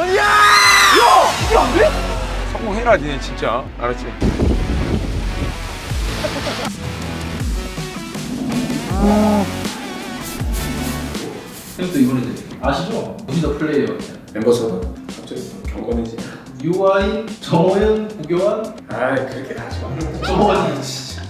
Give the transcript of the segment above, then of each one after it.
야! 이게 안 돼? 성공해라 니네 진짜. 알았지? 형도 이거는 이제 아시죠? 무지더 플레이어 멤버서다? 갑자기 경건해지. UI 정호연 구교환 아이 그렇게 하지 마. 정호연이 진짜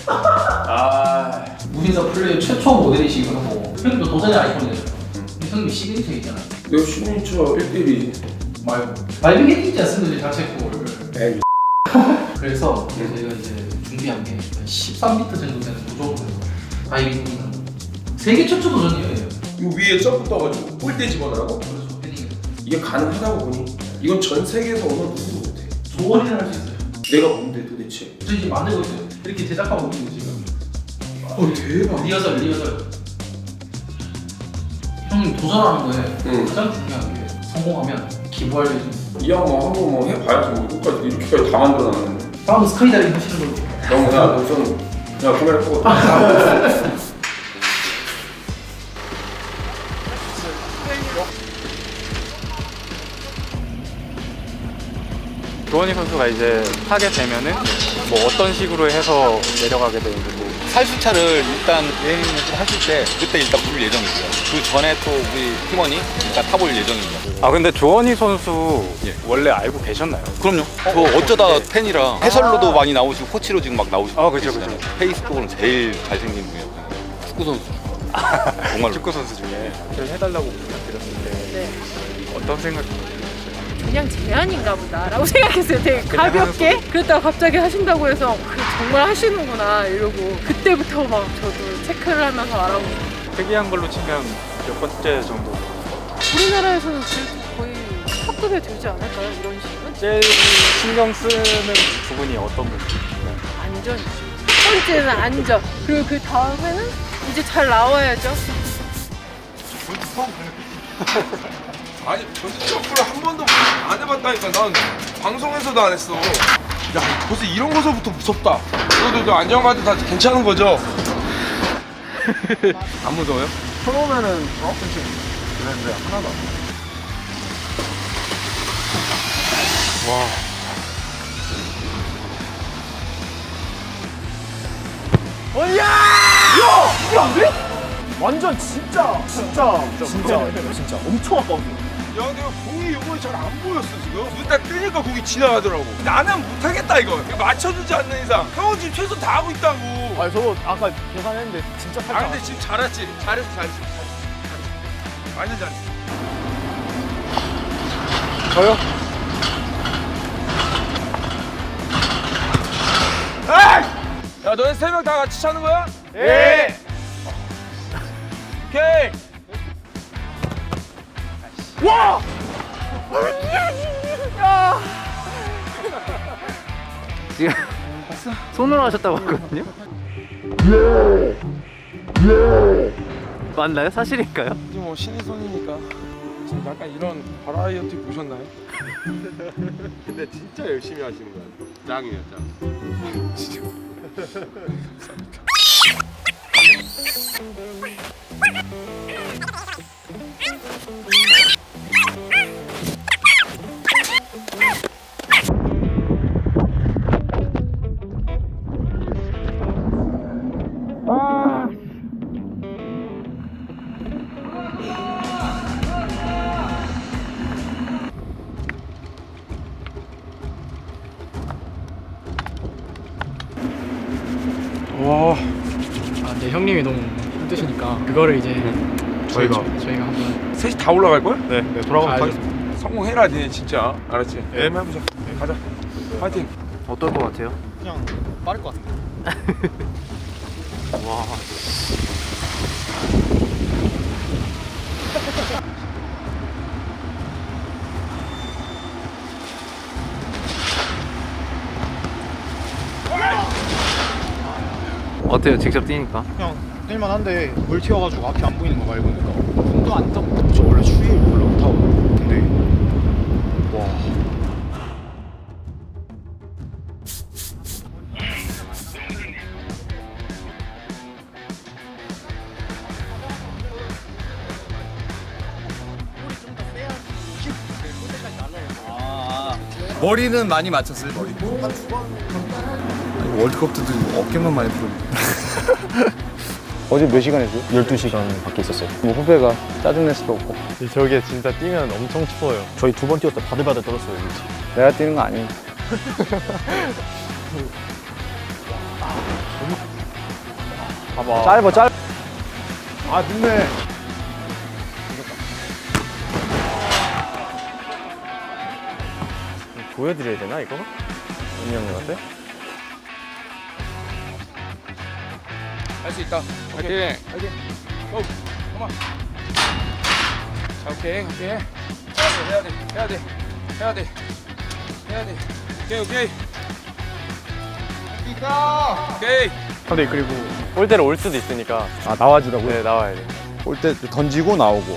무지더 플레이어 최초 모델이시기도 하고 형도 도전의 아이콘이잖아요. 형님 시그니처이잖아요. 내 시그니처 1대1이 말고 말비게 뛰지 않습니까 자체골. 에이 그래서 저희가 이제 준비한 게 13m 정도 되는 무조건 다이빙은 세계 최초 도전이에요. 요 위에 점프 떠가지고 골대 집어넣으라고? 그래서 패딩 이게 가능하다고 보니 이건 전 세계에서 어느 누구도 못해. 조언이라 할 수 있어요. 내가 뭔데 도대체? 저 지금 만들고 있어요. 이렇게 제작하고 있는 거 지금. 대박. 리허설. 형님 도전하는 거에 응. 가장 중요한 게 성공하면 기부할 예정. 이 형 뭐 한번 뭐 해봐야지 뭐 이거까지 이렇게까지 다 만들어놨는데. 다음은 스카이다이빙 하시는 걸로. 형 야 우선 야 카메라 끄고. 조원희 선수가 이제 하게 되면은 뭐 어떤 식으로 해서 내려가게 되는지 뭐 살수차를 일단 예행을 하실 때 그때 일단 부를 예정이고요. 그 전에 또 우리 팀원이 일단 타볼 예정입니다. 아 근데 조원희 선수 예. 원래 알고 계셨나요? 그럼요. 저 어쩌다 팬이라 해설로도 많이 나오시고 코치로 지금 막 나오시고 아, 그죠, 계시잖아요. 페이스북으로는 제일 잘생긴 분이에요. 축구 선수. 정말로. 축구 선수 중에 해달라고 부탁드렸을 때 어떤 생각이 드셨어요? 그냥 제안인가 보다라고 생각했어요. 되게 가볍게. 그랬다가 갑자기 하신다고 해서 정말 하시는구나 이러고 그때부터 막 저도 체크를 하면서 알아보고. 특이한 걸로 치면 몇 번째 정도? 우리나라에서는 그래도 거의 탑급에 들지 않을까요? 이런 식은? 제일 신경 쓰는 부분이 어떤 부분이에요? 안전. 첫 번째는 안전. 그리고 그 다음에는 이제 잘 나와야죠. 아니 전지 점프를 한 번도 안 해봤다니까. 난 방송에서도 안 했어. 야 벌써 이런 거서부터 무섭다. 너도 안전가드 다 괜찮은 거죠? 안 무서워요? 처음에는 그랬는데 하나도 안 와. 이게 안 돼? 완전 진짜 엄청 아까운데. 야 내가 공이 이번에 잘 안 보였어 지금. 일단 뜨니까 공이 지나가더라고. 나는 못하겠다 이거. 맞춰주지 않는 이상. 형은 지금 최선 다하고 있다고. 아 저도 아까 계산했는데 진짜 아 살짝. 근데 지금 잘했지. 잘했어. 완전 잘했어. 저요? 에이! 야 너네 세 명 다 같이 차는 거야? 예! 오케이! 와! 손으로 하셨다고 하거든요? 맞나요? 사실인가요? 이제 뭐 신의 손이니까 지금 약간 이런 바라이어티 보셨나요? 근데 진짜 열심히 하시는 거야. 짱이에요, 짱. 진짜. 와. 아 근데 형님이 너무 힘드시니까 그거를 이제 저희가 한번 셋이 다 올라갈 거야? 네, 돌아가면 아, 가겠습니다. 성공해라 니네 진짜. 알았지? 네. 한번 해보자. 가자. 파이팅. 어떨 것 같아요? 그냥 빠를 것 같은데. 와. 어때요? 직접 뛰니까? 그냥 뛸만한데 물 튀어가지고 앞이 안 보이는 거 말고니까 손도 안 잡고. 저 원래 추위를 별로 못 타고. 근데 와. 머리는 많이 맞췄어요. 머리. 월드컵 때도 어깨만 많이 풀었는데. 어제 몇 시간 했어요? 12시간 밖에 있었어요. 뭐 후배가 짜증낼 수도 없고. 저게 진짜 뛰면 엄청 추워요. 저희 2번 뛰었을 때 바들바들 떨었어요. 그치? 내가 뛰는 거 아니니까. 봐봐. 짧아. 아 늦네. 보여드려야 되나 이거? 은희 형님한테? 할 수 있다. 오케이. 오케이. 고. 컴온. 자, 오케이. 해야 돼. 오케이. 오케이. 근데 그리고 골대로 올 수도 있으니까. 아 나와주라고요? 네, 나와야 돼. 올 때 던지고 나오고.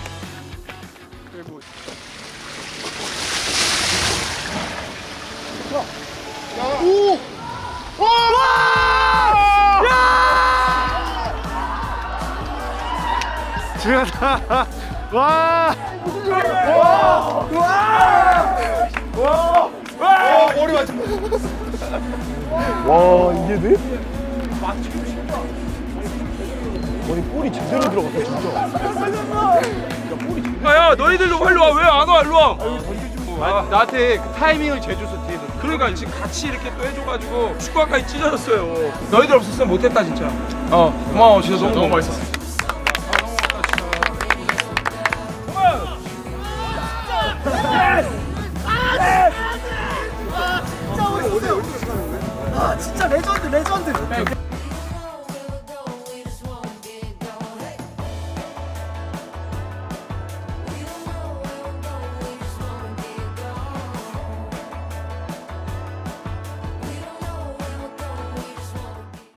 와 이게 돼? 아니 볼이 제대로 들어갔다 진짜. 야, 너희들도 빨리 와. 왜 안 와? 일로 와. 나한테 그 타이밍을 재줘서 뒤에서. 그러니까 지금 같이 이렇게 또 해줘가지고 축구화까지 찢어졌어요. 너희들 없었으면 못했다 진짜. 고마워. 진짜 너무 맛있었어. 진짜 레전드.